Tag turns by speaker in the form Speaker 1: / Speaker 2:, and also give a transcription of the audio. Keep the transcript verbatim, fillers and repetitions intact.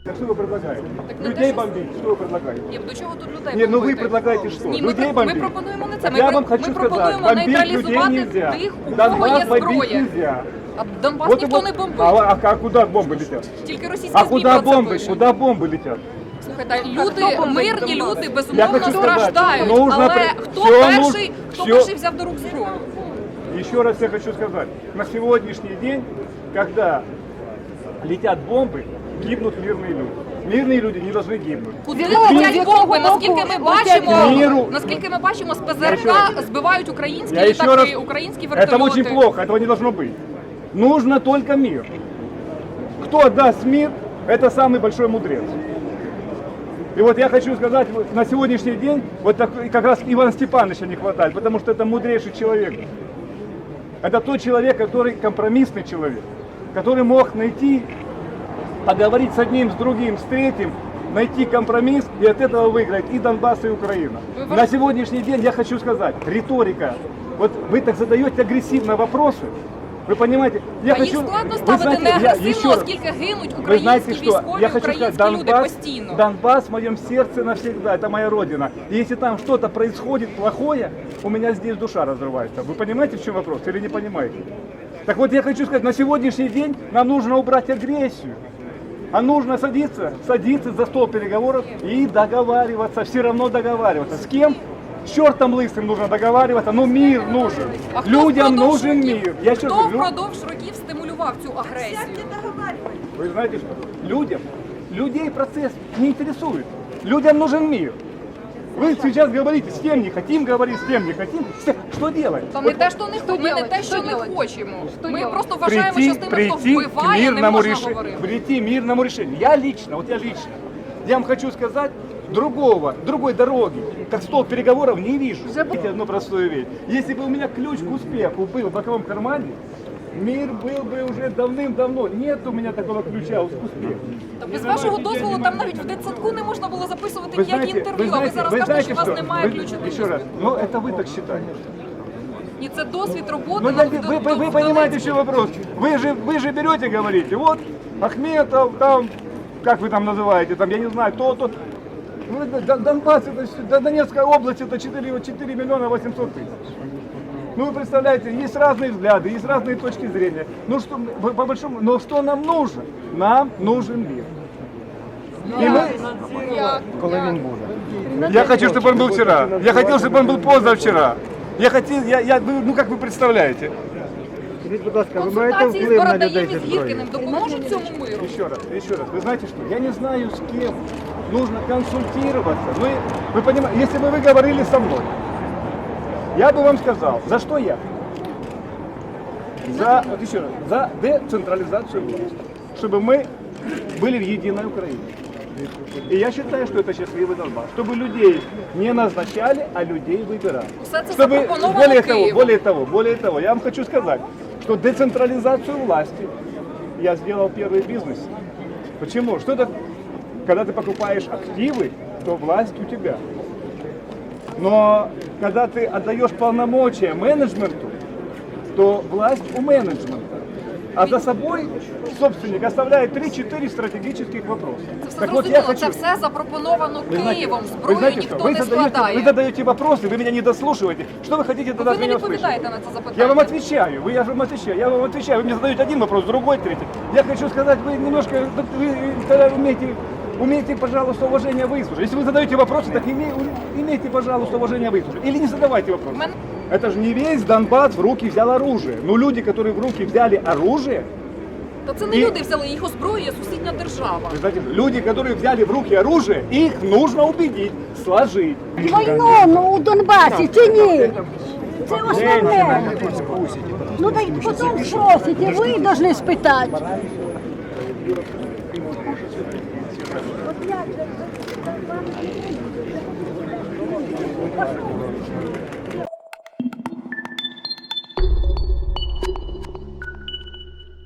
Speaker 1: Так что вы предлагаете?
Speaker 2: Так не
Speaker 1: Людей
Speaker 2: те, що-
Speaker 1: бомбить, что вы предлагаете?
Speaker 2: Ні, до чого тут людей
Speaker 1: Ні, ну ви
Speaker 2: бомбити?
Speaker 1: предлагаєте що?
Speaker 2: Ні, ми,
Speaker 1: Людей
Speaker 2: про-
Speaker 1: бомбити?
Speaker 2: ми пропонуємо не це.
Speaker 1: Так
Speaker 2: Ми,
Speaker 1: я
Speaker 2: про-
Speaker 1: вам
Speaker 2: ми
Speaker 1: хочу
Speaker 2: пропонуємо
Speaker 1: сказать, бомбить людей
Speaker 2: нейтралізувати
Speaker 1: нельзя.
Speaker 2: тих, у кого
Speaker 1: Донбасс
Speaker 2: є
Speaker 1: бомбить
Speaker 2: зброя.
Speaker 1: нельзя.
Speaker 2: А Донбас
Speaker 1: Вот и
Speaker 2: ніхто
Speaker 1: вот.
Speaker 2: не бомбить.
Speaker 1: А, а, а куда бомбы летят?
Speaker 2: Тільки російські
Speaker 1: А
Speaker 2: ЗМІ
Speaker 1: куда
Speaker 2: про це
Speaker 1: бомбы?
Speaker 2: пишуть.
Speaker 1: Куда бомбы летят?
Speaker 2: Слухайте, люди, мирні люди,
Speaker 1: Я
Speaker 2: безумовно,
Speaker 1: хочу сказати,
Speaker 2: страждають.
Speaker 1: нужно
Speaker 2: Але
Speaker 1: при-
Speaker 2: хто
Speaker 1: всьо
Speaker 2: перший,
Speaker 1: нуж-
Speaker 2: хто
Speaker 1: всьо-
Speaker 2: перший взяв до рук зброю?
Speaker 1: Еще раз я хочу сказать, на сегодняшний день, когда летят бомбы, гибнут мирные люди. Мирные люди не должны гибнуть.
Speaker 2: Куди
Speaker 1: Мир-
Speaker 2: летять бомби? Наскільки ми бачимо,
Speaker 1: Миру.
Speaker 2: наскільки ми бачимо, з
Speaker 1: Я ще
Speaker 2: ПЗРК
Speaker 1: раз-
Speaker 2: збивають українські
Speaker 1: Я еще
Speaker 2: літаки,
Speaker 1: раз,
Speaker 2: українські
Speaker 1: это
Speaker 2: вертольоти.
Speaker 1: очень плохо, этого не должно быть. Нужно только мир. Кто отдаст мир, это самый большой мудрец. И вот я хочу сказать, вот на сегодняшний день вот так, как раз Ивана Степановича не хватает, потому что это мудрейший человек. Это тот человек, который компромиссный человек, который мог найти, поговорить с одним, с другим, с третьим, найти компромисс и от этого выиграть и Донбасс, и Украина.
Speaker 2: Вы-
Speaker 1: На сегодняшний день я хочу сказать, риторика, вот вы так задаете агрессивно вопросы, вы понимаете, я
Speaker 2: А їх
Speaker 1: хочу,
Speaker 2: складно
Speaker 1: вы
Speaker 2: ставити
Speaker 1: знаете,
Speaker 2: не
Speaker 1: я
Speaker 2: агресивно,
Speaker 1: еще раз-
Speaker 2: оскільки гинуть
Speaker 1: Вы
Speaker 2: українські
Speaker 1: знаете что,
Speaker 2: військові,
Speaker 1: я хочу сказать,
Speaker 2: українські люди
Speaker 1: Донбасс,
Speaker 2: постійно.
Speaker 1: Донбасс в моем сердце навсегда, это моя родина. И если там что-то происходит плохое, у меня здесь душа разрывается. Вы понимаете, в чем вопрос или не понимаете? Так вот я хочу сказать, на сегодняшний день нам нужно убрать агрессию. А нужно садиться, садиться за стол переговоров и договариваться, все равно договариваться. С кем? С чертом лысым нужно договариваться, но мир нужен.
Speaker 2: А хто
Speaker 1: Людям
Speaker 2: впродовж
Speaker 1: нужен
Speaker 2: років-
Speaker 1: мир. Я еще
Speaker 2: Хто
Speaker 1: раз говорю,
Speaker 2: впродовж років стимулював цю агресію?
Speaker 1: вы знаете что? Людям, людей процесс не интересует. Людям нужен мир. Вы сейчас говорите, с кем не хотим говорить, с кем не хотим. С- Что делать?
Speaker 2: Та не
Speaker 1: Вот
Speaker 2: те, що не ми не
Speaker 3: делать?
Speaker 2: те, що
Speaker 3: Що
Speaker 2: ми
Speaker 3: делать?
Speaker 2: хочемо. Ми
Speaker 3: делать?
Speaker 2: просто вважаємо, що з тими, хто
Speaker 1: прийти к
Speaker 2: вбиває, не
Speaker 1: мирному
Speaker 2: можна
Speaker 1: решению.
Speaker 2: говорити.
Speaker 1: Прийти к мирному решению. Я лично, вот я лично, я вам хочу сказать, другого, другой дороги, как стол переговоров, не вижу. Знаете одну простую вещь. Если бы у меня ключ к успеху был в боковом кармане, мир был бы уже давным-давно. Нет у меня такого ключа к успеху.
Speaker 2: Та без вашого дозволу там навіть в дитсадку не можна було записувати
Speaker 1: Вы
Speaker 2: ніякі
Speaker 1: знаете,
Speaker 2: інтерв'ю,
Speaker 1: вы
Speaker 2: а ви
Speaker 1: знаете,
Speaker 2: зараз
Speaker 1: вы
Speaker 2: кажете,
Speaker 1: знаете,
Speaker 2: що у вас
Speaker 1: что?
Speaker 2: немає
Speaker 1: Вы-
Speaker 2: ключу до
Speaker 1: Еще раз,
Speaker 2: успіху.
Speaker 1: ну это вы так считаете.
Speaker 2: Ні, це досвід роботи.
Speaker 1: Ну,
Speaker 2: на-
Speaker 1: так,
Speaker 2: в-
Speaker 1: вы,
Speaker 2: в-
Speaker 1: вы, вы
Speaker 2: в
Speaker 1: понимаете,
Speaker 2: Донецьку.
Speaker 1: в чем вопрос? Вы же, вы же берете, говорите, вот Ахметов, там, как вы там называете, там, я не знаю, то, то. Ну, это Дон- Донбасс, это, всё- Дон- Донецкая область, это четыре, четыре миллиона восемьсот тысяч. Ну, вы представляете, есть разные взгляды, есть разные точки зрения. Ну, что, по, по большому, но что нам нужно? Нам нужен мир. И мы, я хочу, чтобы он был вчера. Я хотел, чтобы он был позавчера. Я хотел, я, я, ну, ну, как вы представляете?
Speaker 4: Скажіть, будь ласка, ви маєте
Speaker 2: Консультації з
Speaker 4: вплив на
Speaker 2: Бородаєм
Speaker 4: людей
Speaker 2: і
Speaker 4: зі
Speaker 2: з
Speaker 4: зброєю?
Speaker 2: Гіркіним допоможуть цьому миру.
Speaker 1: Еще раз, еще раз. Вы знаете что? Я не знаю, с кем нужно консультироваться. Ну, и вы понимаете, если бы вы говорили со мной, я бы вам сказал, за что я? За, вот еще раз, за децентрализацию власти. Чтобы мы были в единой Украине. И я считаю, что это счастливый Донбасс. Чтобы людей не назначали, а людей выбирали.
Speaker 2: Все це
Speaker 1: Чтобы,
Speaker 2: запропоновано
Speaker 1: более того,
Speaker 2: Києвом.
Speaker 1: более того, более того, я вам хочу сказать, что децентрализацию власти я сделал первый бизнес. Почему? Что это, когда ты покупаешь активы, то власть у тебя. Но когда ты отдаешь полномочия менеджменту, то власть у менеджмента. А за собой собственник оставляет три-четыре стратегических вопроса.
Speaker 2: Це все
Speaker 1: Так вот, я
Speaker 2: зрозуміло,
Speaker 1: хочу...
Speaker 2: це все запропоновано
Speaker 1: Вы знаете,
Speaker 2: Києвом,
Speaker 1: вы
Speaker 2: зброю
Speaker 1: знаете что?
Speaker 2: ніхто
Speaker 1: Вы
Speaker 2: не
Speaker 1: задаете,
Speaker 2: складає.
Speaker 1: вы задаете вопросы, вы меня не дослушиваете. Что вы хотите тогда
Speaker 2: Ви
Speaker 1: от
Speaker 2: не
Speaker 1: меня услышать?
Speaker 2: відповідаєте на це запитання.
Speaker 1: Я вам отвечаю, вы, я же вам отвечаю, я вам отвечаю. Вы мне задаете один вопрос, другой, третий. Я хочу сказать, вы немножко, вы тогда умеете, умеете, пожалуйста, уважение выслушать. Если вы задаете вопросы, так име- имейте, пожалуйста, уважение выслушать. Или не задавайте вопросы.
Speaker 2: Мен-
Speaker 1: Это же не весь Донбасс в руки взял оружие. Но люди, которые в руки взяли оружие,
Speaker 2: Та це не
Speaker 1: І-
Speaker 2: люди взяли, їх озброює сусідня держава.
Speaker 1: вы знаете, люди, которые взяли в руки оружие, их нужно убедить, сложить.
Speaker 3: Війну ну, у Донбасі чи ні? Це основне. Ну так потім спросите, ви повинні спитати.